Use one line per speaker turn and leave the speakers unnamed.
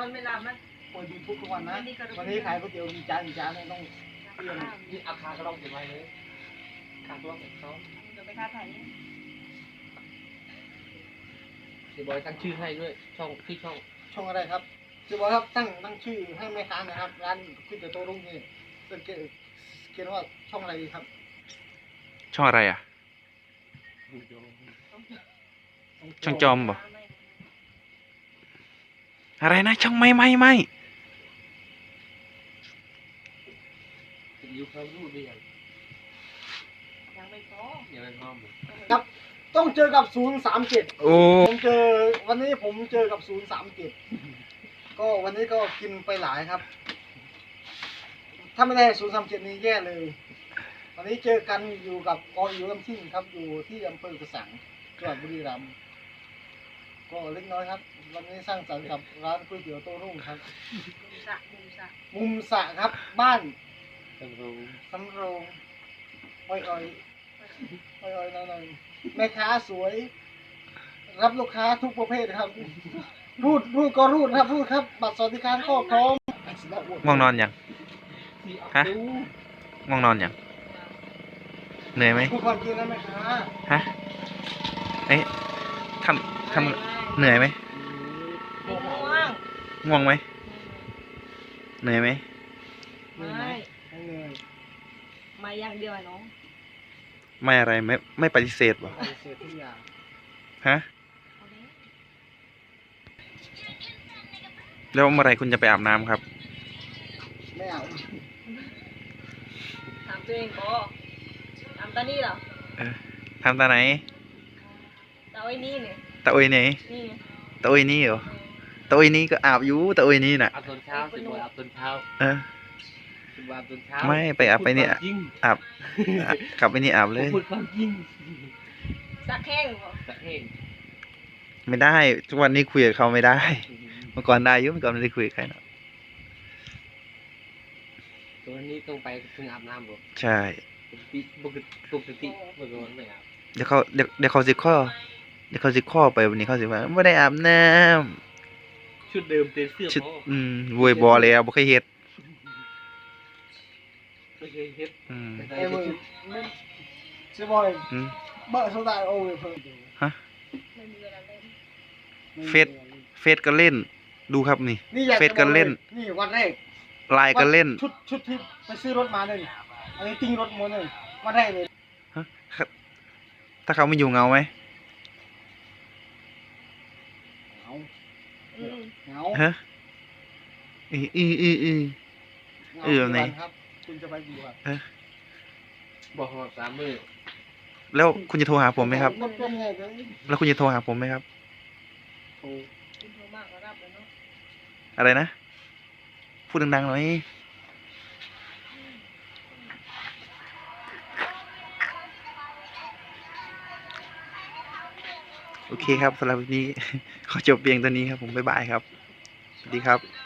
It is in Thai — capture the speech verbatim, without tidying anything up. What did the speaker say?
อนเวลามัน
เปิดยูทูบทุกวันนะวันนี้ขายก๋วยเตี๋ยวมีจานมีจานเนี่ยต้องเตรียม
นี่อาคารก็ต้องเก็บไว้เลยคาตัวของเขา
เดี๋ยวไปค้าขายนี่
เดี๋ยวบอยตั้งชื่อให้ด้วยช่องที่ช่อง
ช่องอะไรครับจะบอกครับตั้งตั้งชื่อให้แม่ค้านะครับร้านก๋วยเตี๋ยวโต้รุ่งนี่เป็นเขียนว่าช่องอะไรดีครับ
ช่องอะไรอ่ะ ช่องจอมบ่อะไรนะช่องไม่ไม่ไม่
ยูเขารูดได้ยัง
ยังไม่พอ
ยังไม่พร้อม
ครับต้องเจอกับศูนย์สามเจ็ด
โอ้
ผมเจอวันนี้ผมเจอกับศูนย์สามเจ็ดก็วันนี้ก็กินไปหลายครับ ถ้าไม่ได้ศูนย์สามเจ็ดนี้แย่เลย วันนี้เจอกันอยู่กับกออยู่ลำทิ้งครับอยู่ที่อำเภอกระสังจังหวัดบุรีรัมย์ก็เล็กน้อยครับ วันนี้สร้างสรรค์กับร้านก๋วยเตี๋ยวโต้รุ่งครับ
มุมสะมุมสะ
มุมสระครับบ้าน
ต้องรู้
สำโรงอ้อยอ้อยอ้อยอ้อยหน่อยๆแม่ค้าสวย รับลูกค้าทุกประเภทครับ รูดรูดก็รูดครับรูดครับ บัตรสวัสดิการก็พร้อม
ง่วงนอนยัง ฮะ
ดู
ง่วงนอนยังเหนื่อยไหม
พูดความจริงนะแม่ค้า
ฮะเอ๊ะทำทำเหนื่อยไหม
ไม่ง่วง
ง่วงไหมเหนื่อยไหม
เหนื่อยไหม
ไม่
ไม่เหนื่อย
มาอย่างเดียวไอ้น้อง
ไม่อะไรไม่ไม่ปฏิเสธบ่
ปฏิเสธทุกอย่าง
ฮะ
เอาดิ
แล้วเมื่อไหรคุณจะไปอาบน้ำครับ
ไม่เอา
ถามตัวเองบอถามตานี่เหรอ
เออทำตาไหน
ตาไอ้นี่เนี่ย
ตาโอยไหน
นี่ไง
ตาโอยนี่เหรอตาโอยนี่ก็อาบอยู่ตาโอยนี่น่ะ
อาบตอนเช้าสิบอยอาบตอนเช้า
เออ
สิบอยอาบตอนเช้า
ไม่ไปอาบไปเนี่ย
จริง
อาบอ่ะกลับไปนี่อาบเลย
พูดความจริง
สักแข้งบอ
สักเอง
ไม่ได้ทุกวันนี้คุยกับเขาไม่ได้ เมื่อก่อนได้อยุ่เมื่อก่อนไม่ได้คุยกับใครเนอะ
ตัวนี้ต้องไปถึงอาบน้ำบ่
ใช่
ปกติปกติปกติเมื่อก่อนไม่อาบ
เดี๋ยวเขาเดี๋ยวเดี๋ยวเขาสิข้อเดี๋ยวเขาสิข้อไปวันนี้เขาสิว่าไม่ได้อาบน้
ชุดเดิมเต็มเสื้อ
ำชุด
พอ
อืมโวยบอแล้วบ่เคยเฮ็ด
ไม่เคยเฮ็ด
อืม
แต่
ไอ้
ใส่
มือ
ชุด
ไม่ใช่บอย
อืม
เบอร์โซดาโอเวอร์เพิ่ม
ไม่มีเวลาเล่น
เฟซ เฟซก็เล่น ดูครับนี่
นี่อยาก
เฟซก็เล่น
นี่วันแรก
ไลน์ก็เล่น
ชุดชุดที่ไปซื้อรถมาเลยอันนี้ติ้งรถมาเลยวันแรกเลย
ฮะถ้าเขาไม่อยู่เงาไหม
เหงา
อืม
เหงา
ฮะอืออืออืออือ
เหงา
เออไหน
กี่วันครับ คุณจะไปกี่วัน
บอกว่าสามมือ
แล้วคุณจะโทรหาผมไหมครับ
รถเป็นไงเลย
แล้วคุณจะโทรหาผมไหมครับ
โอ้
คุณโทรมากก็รับเลยเนาะ
อะไรนะ พูดดังๆหน่อย โอเคครับสำหรับวันนี้ ขอจบเพียงเท่านี้ครับผม บ๊ายบายครับ สวัสดีครับ